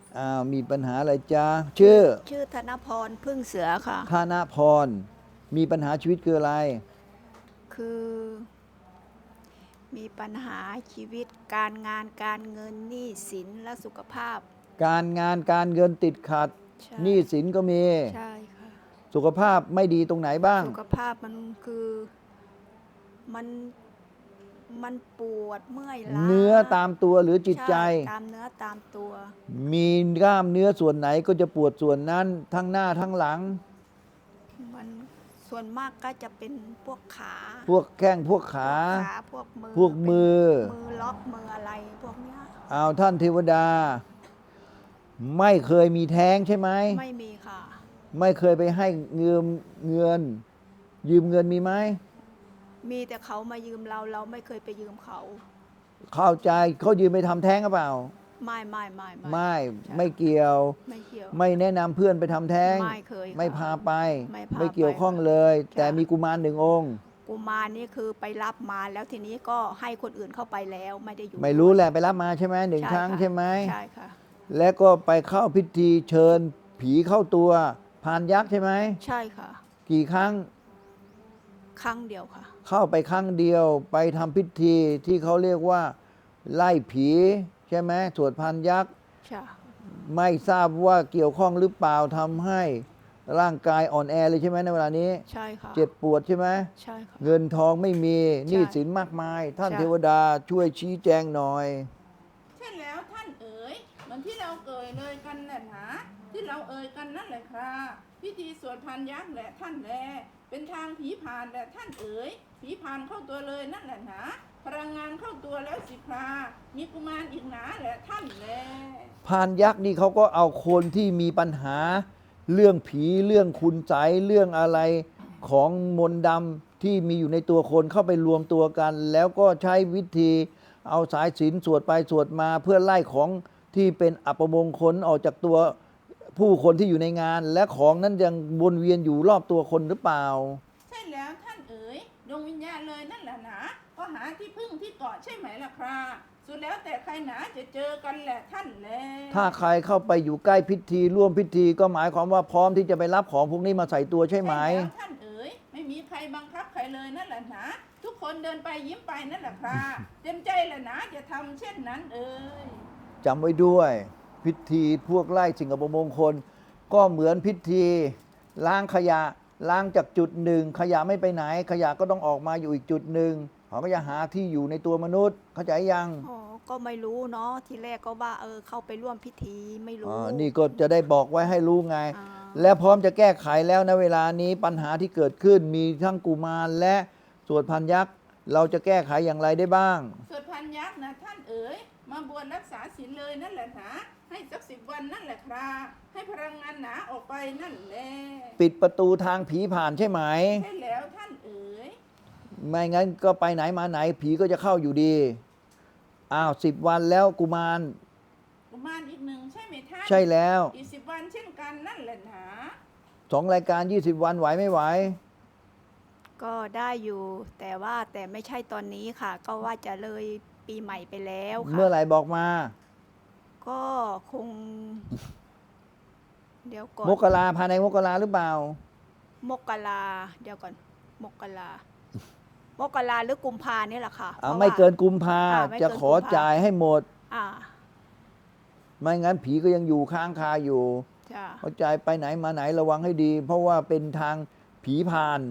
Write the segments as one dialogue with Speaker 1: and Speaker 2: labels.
Speaker 1: มีปัญหาอะไรจ๊ะ
Speaker 2: ชื่อธนพรพึ่งเสือค่ะ
Speaker 1: ธนพรมีปัญหาชีวิตคืออะไร
Speaker 2: คือมีปัญหาชีวิตการงานการเงินหนี้สินและสุขภาพ
Speaker 1: การงานการเงินติดขัด
Speaker 2: ใช่
Speaker 1: หนี้สินก็มี
Speaker 2: ใช่ค่ะ
Speaker 1: สุขภาพไม่ดีตรงไหนบ้าง
Speaker 2: สุขภาพมันคือมันมันปวดเมื่อยล้า
Speaker 1: เนื้อตามตัวหรือจิตใจ
Speaker 2: ใช่ตามเนื้อตามตัว
Speaker 1: มีกล้ามเนื้อส่วนไหนก็จะปวดส่วนนั้นทั้งหน้าทั้งหลัง
Speaker 2: มันส่วนมากก็จะเป็นพวกขา
Speaker 1: พวกแข้งพวกขา
Speaker 2: พวกมือ
Speaker 1: พวกมือ
Speaker 2: ล็อกมืออะไรพวกเนี้ย
Speaker 1: ท่านเทวดาไม่เคยมีแท้งใช่ไหม
Speaker 2: ไม่มีค่ะ
Speaker 1: ไม่เคยไปให้เงินยืมเงินมีไหม
Speaker 2: มีแต่เขามายืมเราไม่เคยไปยืมเขา
Speaker 1: เข้าใจเขายืมไปทำแท้งหรือเปล่าไม่เกี่ยวไม่แนะนำเพื่อนไปทำแท้ง
Speaker 2: ไม่เคย
Speaker 1: ไม่พาไป
Speaker 2: ไม่
Speaker 1: เกี่ยวข้องเลย แต่มีกุมารหนึ่งองค์
Speaker 2: กุมารนี่คือไปรับมาแล้วทีนี้ก็ให้คนอื่นเข้าไปแล้วไม่ได้อยู่
Speaker 1: ไม่รู้แหละไปรับมาใช่ไหมหนึ่งครั้งใช่ไหม
Speaker 2: ใช่ค่ะ
Speaker 1: แล้วก็ไปเข้าพิธีเชิญผีเข้าตัวพานยักษ์ใช่ไหม
Speaker 2: ใช่ค่ะ
Speaker 1: กี่ครั้ง
Speaker 2: ครั้งเดียวค่ะ
Speaker 1: เข้าไปครั้งเดียวไปทำพิธีที่เขาเรียกว่าไล่ผีใช่ไหมสวดพานยักษ์
Speaker 2: ใช่
Speaker 1: ไม่ทราบว่าเกี่ยวข้องหรือเปล่าทำให้ร่างกายอ่อนแอเลยใช่ไหมในเวลานี้
Speaker 2: ใช่ค่ะ
Speaker 1: เจ็บปวดใช่ไหม
Speaker 2: ใช่ค่ะ
Speaker 1: เงินทองไม่มีหนี้สินมากมายท่านเทวดาช่วยชี้แจงหน่อย
Speaker 3: ใช่แล้วท่านเอ๋ยเหมือนที่เราเอ่ยเลยกันแหละนะที่เราเอ่ยกันนั่นแหละครับพิธีสวดพานยักษ์แหละท่านแลเป็นทางผีผ่านแหละท่านเอ๋ยผีผ่านเข้าตัวเลยนั่นแหละนะพลังงานเข้าตัวแล้วสิครามีกุมารอีกหนาแหละท่านแล
Speaker 1: พานยักษ์นี่เขาก็เอาคนที่มีปัญหาเรื่องผีเรื่องคุณไสยเรื่องอะไรของมนต์ดำที่มีอยู่ในตัวคนเข้าไปรวมตัวกัน แล้วก็ใช้วิธีเอาสายศีลสวดไปสวดมาเพื่อไล่ของที่เป็นอัปมงคลออกจากตัวผู้คนที่อยู่ในงาน และของนั้นยังวนเวียนอยู่รอบตัวคนหรือเปล่า
Speaker 3: ใช่แล้วท่านเอ๋ยดวงวิญญาณเลยนั่นแหละนะก็หาที่พึ่งที่เกาะใช่ไหมล่ะครับสุดแล้วแต่ใครหนาจะเจอกันแหละท่านแล
Speaker 1: ถ้าใครเข้าไปอยู่ใกล้พิธีร่วมพิธีก็หมายความว่าพร้อมที่จะไปรับของพวกนี้มาใส่ตัวใช่ไหม
Speaker 3: ใช่แล้วท่านเอ๋ยไม่มีใครบังคับใครเลยนั่นแหละนะทุกคนเดินไปยิ้มไปนั่นแหละครับเต็มใจแหละนะจะทำเช่นนั้นเอ๋ย
Speaker 1: จำไว้ด้วยพิธีพวกไล่สิ่งอัปมงคลก็เหมือนพิธีล้างขยะล้างจากจุดหนึ่งขยะไม่ไปไหนขยะก็ต้องออกมาอยู่อีกจุดหนึ่งเขาก็จะหาที่อยู่ในตัวมนุษย์เข้าใจยัง
Speaker 2: อ๋อก็ไม่รู้เนาะทีแรกก็ว่าเข้าไปร่วมพิธีไม่รู้
Speaker 1: นี่ก็จะได้บอกไว้ให้รู้ไงและพร้อมจะแก้ไขแล้วนะเวลานี้ปัญหาที่เกิดขึ้นมีทั้งกุมารและสวดพันยักษ์เราจะแก้ไขอย่างไรได้บ้าง
Speaker 3: สวดพันยักษ์นะท่านเอ๋ยมาบวชรักษาศีลเลยนั่นแหละนะให้สัก10 วันนั่นแหละครับให้พลังงานหนาออกไปนั่นแหละ
Speaker 1: ปิดประตูทางผีผ่านใช่ไหม
Speaker 3: ใช่แล้วท่านเอ๋ย
Speaker 1: ไม่งั้นก็ไปไหนมาไหนผีก็จะเข้าอยู่ดี10 วันแล้วกุมาร
Speaker 3: อีกหนึ่งใช่ไหมท่าน
Speaker 1: ใช่แล้ว
Speaker 3: อีก10 วันเช่นกันนั่นแหละนะ
Speaker 1: 2 รายการ20 วันไหวไม่ไหว
Speaker 2: ก็ได้อยู่แต่ไม่ใช่ตอนนี้ค่ะก็ว่าจะเลยปีใหม่ไปแล้วค่ะ
Speaker 1: เมื่อไหร่บอกมา
Speaker 2: ก็คงเดี๋ยวก่อน
Speaker 1: มกราภายในมกราหรือเปล่าม
Speaker 2: กราเดี๋ยวก่อนมกราหรือกุมภาเนี่ยแหละค่ะ
Speaker 1: ไม่เกินกุมภาจะขอจ่ายให้หมดไม่งั้นผีก็ยังอยู่ค้างคาอยู่เขาจ่ายไปไหนมาไหนระวังให้ดีเพราะว่าเป็นทางผีผ่าน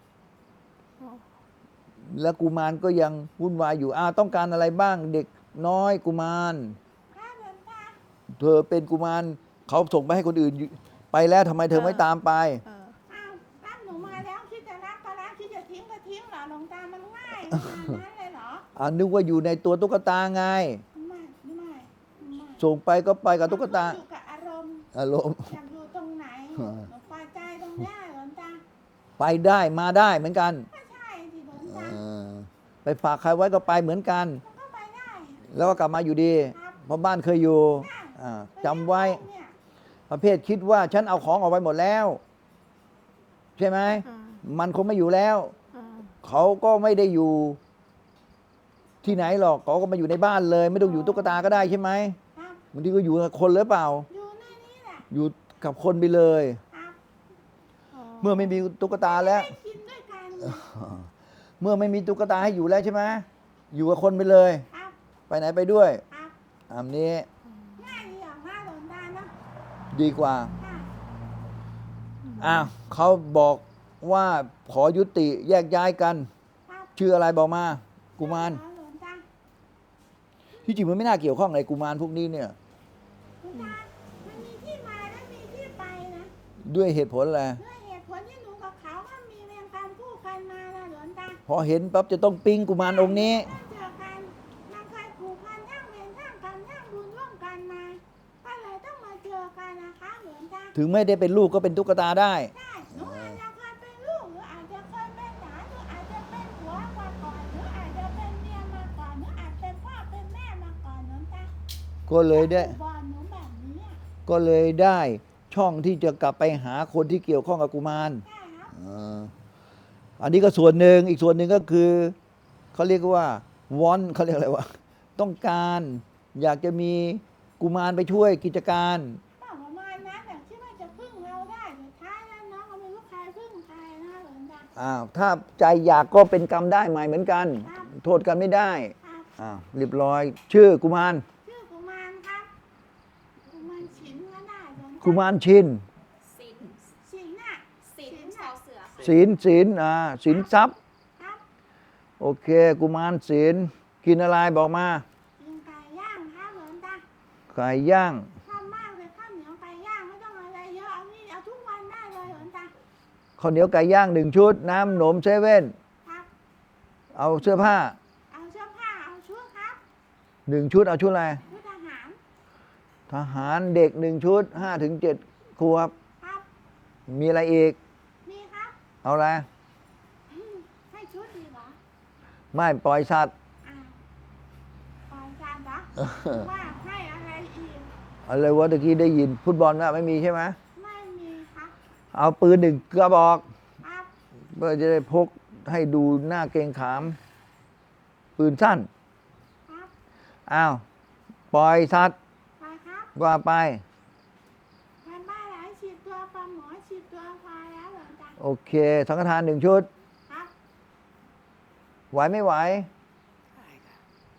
Speaker 1: และกุมารก็ยังวุ่นวายอยู่ต้องการอะไรบ้างเด็กน้อยกุมารเธอเป็นกุมารเขาส่งไปให้คนอื่นไปแล้วทำไมเธอไม่ตามไป
Speaker 3: รับหนูมาแล้วคิดจะรักก็รักคิดจะทิ้งก็ทิ้งเหรอหลวงตามันง่ายขนาดนั้นเลยเหรอ
Speaker 1: นึกว่าอยู่ในตัวตุ๊กตาไง
Speaker 3: ไม่
Speaker 1: ส่งไปก็ไปกับตุ๊กตา
Speaker 3: อยู่กับอารมณ์อยากอยู่ตรงไหนหนูพอใจตรงนี้หลวงตา
Speaker 1: ไปได้มาได้เหมือนกัน
Speaker 3: ก็ใช่สิหลวงตา
Speaker 1: ไปฝากใครไว้ก็ไปเหมือนกัน
Speaker 3: ก็ไปได้
Speaker 1: แล้วก็กลับมาอยู่ดีเพราะบ้านเคยอยู่จำไว้ประเภทคิดว่าฉันเอาของออกไปหมดแล้วใช่ไหมมันคงไม่อยู่แล้วเขาก็ไม่ได้อยู่ที่ไหนหรอกเขาก็มาอยู่ในบ้านเลยไม่ต้องอยู่ตุ๊กตาก็ได้ใช่ไหมบางทีก็อยู่กับคนหรือเปล่า
Speaker 3: อยู่ในนี้แหละ
Speaker 1: อยู่กับคนไปเลย
Speaker 3: ครับ
Speaker 1: เมื่อไม่มีตุ๊กตาแล้ว
Speaker 3: ได้กินด้วยกัน
Speaker 1: เมื่อไม่มีตุ๊กตาให้อยู่แล้วใช่ไหมอยู่กับคนไปเลย
Speaker 3: ครับ
Speaker 1: ไปไหนไปด้วย
Speaker 3: ครับ
Speaker 1: อันนี้
Speaker 3: ง่ายดีออกมาหลนตาเนาะ
Speaker 1: ดีกว่า
Speaker 3: ค่ะ
Speaker 1: อ้าวเขาบอกว่าขอยุติแยกย้ายกัน
Speaker 3: ครับ
Speaker 1: ชื่ออะไรบอกมา กุมาร
Speaker 3: หลนตา
Speaker 1: ที่จริงมันไม่น่าเกี่ยวข้องอะไรกุมารพวกนี้เนี่ย
Speaker 3: หลนตามันมีที่มาและมีที่ไปนะ
Speaker 1: ด้วยเหตุผลอะไร
Speaker 3: ด้วยเหตุผลที่หนูกับเขาก็มีเวรกรรมคู่กันมานะหลนตา
Speaker 1: พอเห็นปั๊บจะต้องปิ๊งกุมารองค์นี้
Speaker 3: ต้องเจอกันมันเคยผูกพันทั้งเวรทั้งกรรมทั้งบุญร่วมกันมา ก็เลยต้องมาเจอกันนะคะหลนตา
Speaker 1: ถึงไม่ได้เป็นลูกก็เป็นตุ๊กตาได้
Speaker 3: ได้หนูอาจจะเคยเป็นลูกหรืออาจจะเคยเป็นหลานหรืออาจจะเป็นผัวมาก่อนหรืออาจจะเป็นเมียมาก่อนหรืออาจเป็นพ่อเป็นแม่มาก่อนหลนตา
Speaker 1: ก็เลยได้
Speaker 3: บอลหนูแบบนี้อะ
Speaker 1: ก็เลยได้ช่องที่จะกลับไปหาคนที่เกี่ยวข้องกับกุมาร
Speaker 3: ได้ครับ
Speaker 1: อันนี้ก็ส่วนหนึ่งอีกส่วนหนึ่งก็คือเขาเรียกว่าวอนเขาเรียกอะไรวะต้องการอยากจะมีกุมารไปช่วยกิจการ
Speaker 3: ประมาณนั้นแต่ที่ว่าจะพึ่งเราได้สุดท้ายแล้วน้องก็ไม่รู้ใครพึ่งใครนะหลนตา
Speaker 1: ถ้าใจอยากก็เป็นกรรมได้ใหม่เหมือนกัน
Speaker 3: ครับ
Speaker 1: โทษกันไม่ได้
Speaker 3: ครับ
Speaker 1: เรียบร้อย ชื่อกุมาร
Speaker 3: ชื่อกุมารครับกุมารฉินก็ได้หลนตา
Speaker 1: กุมารชิน
Speaker 4: สิน
Speaker 3: ฉินน่ะ
Speaker 4: สินชาวเสือค่ะ
Speaker 1: ศีลศีลทรัพย์
Speaker 3: ครับ
Speaker 1: โอเค กุมารศีลกินอะไรบอกมา
Speaker 3: กินไก่ย่างครับหลนตา
Speaker 1: ไก่ย่าง
Speaker 3: ชอบมากเลยข้าวเหนียวไก่ย่างไม่ต้องอะไรเยอะเอานี่เอาทุกวันได้เลยหลนตา
Speaker 1: ข้าวเหนียวไก่ย่าง1 ชุด น้ำหนมเซเว่น
Speaker 3: ครับ
Speaker 1: เอาเสื้อผ้า
Speaker 3: เอาเสื้อผ้าเอาชุดครับ
Speaker 1: 1 ชุดเอาชุดอะไร
Speaker 3: ชุดทหาร
Speaker 1: ทหารเด็ก1 ชุด5 ถึง 7 ขวบ
Speaker 3: ครับ
Speaker 1: มีอะไรอีก
Speaker 3: มีครับ
Speaker 1: เอาอะไร
Speaker 3: ให้ชุดดีเหรอ
Speaker 1: ไม่ปล่อยสัตว์
Speaker 3: อ่าปล่อยจานเหรอว่าให้อะไรอีก
Speaker 1: อะไรวะตะกี้ได้ยิน ฟุตบอลนะไม่มีใช่ไหม
Speaker 3: ไม่มีครับ
Speaker 1: เอาปืน1 กระบอก
Speaker 3: ครับ
Speaker 1: เพื่อจะได้พกให้ดูหน้าเกรงขาม ปืนสั้น
Speaker 3: ครับ
Speaker 1: อ้าวปล่อยสัตว์
Speaker 3: ไปครับ
Speaker 1: ว่าไป
Speaker 3: แทนบ้านหลายฉีดตัวปลาหมอฉีดตัวพาแล้วเหรอจ๊ะ
Speaker 1: โอเค สังฆทาน 1 ชุด
Speaker 3: ครับ
Speaker 1: ไหวไม่ไหว
Speaker 2: ได้ค่ะ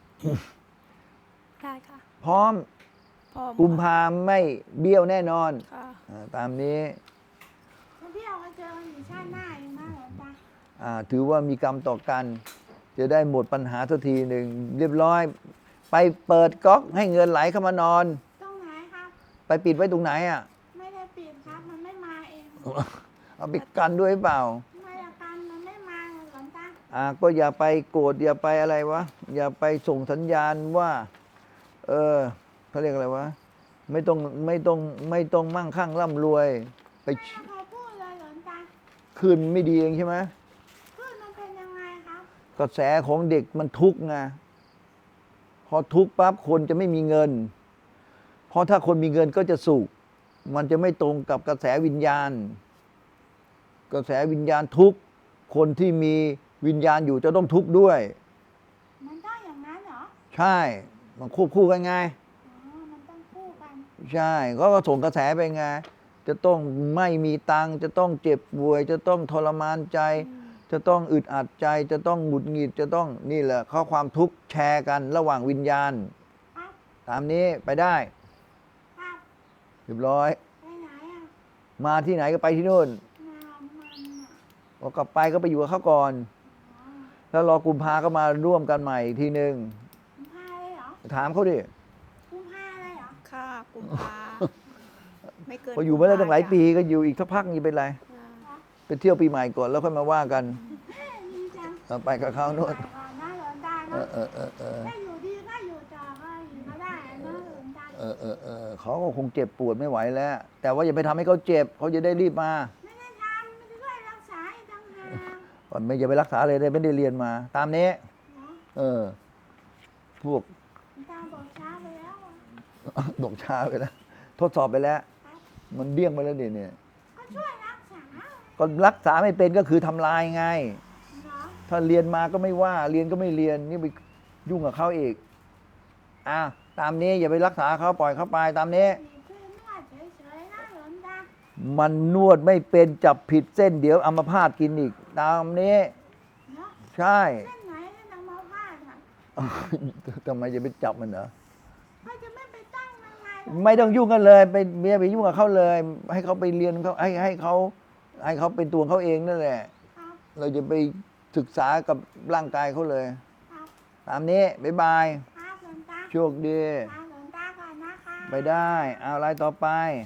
Speaker 2: ได้ค่ะ
Speaker 1: พร้อม
Speaker 2: พ่อ
Speaker 1: กุมภาไม่เบี้ยวแน่นอน
Speaker 2: ค่ะ
Speaker 1: ตามนี้
Speaker 3: แล้วพี่เอาไปเจออยู่ชาติหน้าเองนะเหรอจ๊ะ
Speaker 1: ถือว่ามีกรรมต่อกัน จะได้หมดปัญหาสักทีหนึ่งเรียบร้อย ไปเปิดก๊อกให้เงินไหลเข้ามานอน
Speaker 3: ตรงไหนครับ
Speaker 1: ไปปิดไว้ตรงไหนอ่ะ
Speaker 3: ไม่ได้ปิดครับ มันไม่มาเอง
Speaker 1: เอาไปกันด้วยหรือเปล่า
Speaker 3: ไม่ละกันมันไม่มาเลยเหรอจ๊ะ
Speaker 1: ก็อย่าไปโกรธอย่าไปอะไรวะ อย่าไปส่งสัญญาณว่า เขาเรียกอะไรวะ ไม่ต้องมั่งคั่งร่ำรวย ไป
Speaker 3: ไม่เคยพูดเลยเหรอจ๊ะ
Speaker 1: คืนไม่ดีเองใช่ไหม
Speaker 3: พูดมันเป็นยังไงครับ
Speaker 1: กระแสของเด็กมันทุกข์ไงพอทุกข์ปั๊บคนจะไม่มีเงิน เพราะถ้าคนมีเงินก็จะสุข มันจะไม่ตรงกับกระแสวิญญาณ กระแสวิญญาณทุกข์คนที่มีวิญญาณอยู่จะต้องทุกข์ด้วย
Speaker 3: มันต้องอย่างนั้นเหรอ
Speaker 1: ใช่ มันควบคู่กันไง
Speaker 3: อ๋อ มันต้องคู่กัน
Speaker 1: ใช่ก็ส่งกระแสไปไง จะต้องไม่มีตังค์จะต้องเจ็บป่วย จะต้องทรมานใจ จะต้องอึดอัดใจ จะต้องหงุดหงิด จะต้องนี่แหละข้อความทุกข์แชร์กันระหว่างวิญญาณ
Speaker 3: ครับ
Speaker 1: ตามนี้ไปได้
Speaker 3: ครับ
Speaker 1: เรียบร้อย
Speaker 3: ไปไหนอ่ะ
Speaker 1: มาที่ไหนก็ไปที่นู่น
Speaker 3: มามันอ่ะ
Speaker 1: พอกลับไปก็ไปอยู่กับเขาก่อน
Speaker 3: อ๋อ
Speaker 1: แล้วรอกุมภาก็มาร่วมกันใหม่อีกทีหนึ่ง
Speaker 3: กุมภาเลยเหรอ
Speaker 1: ถามเขาดิ
Speaker 3: กุมภาเลยเหรอ
Speaker 2: ค่ะกุมภาไม่เกิน
Speaker 1: พออยู่มาได้ตั้งหลายปี
Speaker 2: จ้ะ
Speaker 1: ก็อยู่อีกสักพักนี่เป็นไร
Speaker 2: อ่า
Speaker 1: ไปเที่ยวปีใหม่ก่อนแล้วค่อยมาว่ากัน
Speaker 3: เอ้ยดีจัง
Speaker 1: ไปกับเขาโน่น
Speaker 3: ไปก่อนนะหลวงตา
Speaker 1: เอ
Speaker 3: เนาะ
Speaker 1: อ
Speaker 3: ถ้าอยู่ดีก็อยู่ต่อก็อยู่ก็ได้นะหลวงตา
Speaker 1: เขาก็คงเจ็บปวดไม่ไหวแล้ว แต่ว่าอย่าไปทำให้เขาเจ็บเขาจะได้รีบมา
Speaker 3: ไม่ได้ทำไม่ได้ช่วยรักษาอีกต่างหาก
Speaker 1: ก่อนไม่อย่าไปรักษาเลยได้ไม่ได้เรียนมา ตามนี้
Speaker 3: เนาะ
Speaker 1: พวก
Speaker 3: หลวงตาบอกช้าไปแล้วอะ
Speaker 1: บอกช้าไปแล้ว ทดสอบไปแล้ว
Speaker 3: ครับ
Speaker 1: มันเดี้ยงไปแล้วเนี่ย
Speaker 3: ก็ช่วยรักษา
Speaker 1: ก็รักษาไม่เป็นก็คือทำลายไง
Speaker 3: เนาะ
Speaker 1: ถ้าเรียนมาก็ไม่ว่า เรียนก็ไม่เรียน นี่ไปยุ่งกับเขาอีก ตตามนี้อย่าไปรักษาเขาปล่อยเขาไปตามนี้
Speaker 2: มีเพื่อนนวดเฉยๆนะหลวงตา
Speaker 1: มันนวดไม่เป็นจับผิดเส้นเดี๋ยวอัมพาตกินอีก ตามนี้
Speaker 2: เนาะ
Speaker 1: ใช่
Speaker 2: เส้นไหนที่นำมาพาดค่ะ
Speaker 1: ทำไมจะไปจับมันเหรอ
Speaker 2: เขาจะไม่ไปตั้งยังไง
Speaker 1: ไม่ต้องยุ่งกันเลยไปเมียไปยุ่งกับเขาเลย ให้เขาไปเรียนเขาให้เขาเป็นตัวเขาเองนั่นแหละ
Speaker 2: ครับ
Speaker 1: เราจะไปศึกษากับร่างกายเขาเลย
Speaker 2: ครับ
Speaker 1: ตามนี้บ๊ายบาย
Speaker 2: ครับหลวงตา
Speaker 1: โชคดี
Speaker 2: ครับหลวงตาก่อนนะคะ
Speaker 1: ไปได้ เอาอะไรต่อไป